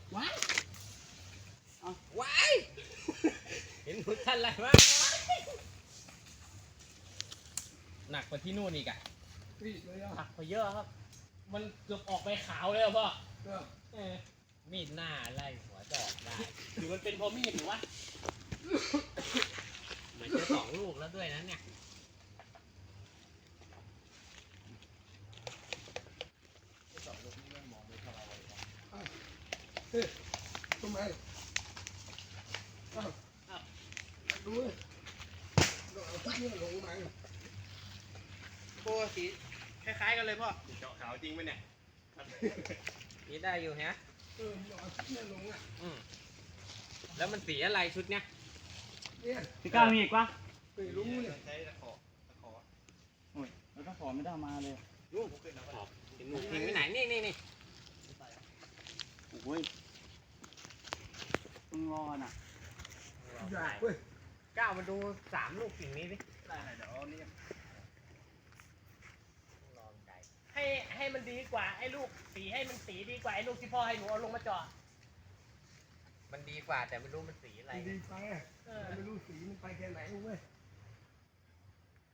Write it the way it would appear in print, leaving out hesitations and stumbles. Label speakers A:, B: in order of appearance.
A: ว้ายเอาว้าย
B: เห็นหุ่นท่านอะไรวะหนักกว่าที่นู่นอีกอะ
A: รีดเลยอ่ะ
B: หักไปเยอะครับ มันเกือบออกไปขาวเลยอะพ่อ
A: ก็
B: มีดหน้าไล่หัวจอกได้หรือมันเป็นเพราะมีดหรือวะเหมือนจะ2 ลูกแล้วด้วยนะเนี่ย
A: เฮ้ยทำไมอ้าวดูเลยเอาทุกเรื่องลงมา
B: โอ้สีคล้ายๆกันเลยพ่อ
C: เจาะขาวจริงไหมเนี่ย
B: สีได้อยู่ฮะ
A: เอาทุกเรื่องลงอ่ะ
B: แล้วมันสีอะไรชุดเนี้ย
A: เนี่ย
D: พี่ก้าวมีอีกปะ
A: ไม่รู้เนี่ย
C: ใช้ตะขอ
D: โอ้ยเราต้องขอไม่ได้เอามาเลย
B: ลูกขอบเห็นหนูทิ้งไปไหนนี่
D: โอ้ยมึงรอน่ะ
A: อยากเว้ย
B: ก้าวมาดู3 ลูกสิ่งนี้สิ
C: ได้เดี๋ยวนี่
B: ลองใจให้มันดีกว่าไอ้ลูกสีให้มันสีดีกว่าไอ้ลูกที่พ่อให้หนูเอาลงมาเจาะมันดีกว่าแต่ไม่รู้มันสีอะไร
A: ดีไปไม่รู้สีมันไปแค่ไหนเว้ย
B: เ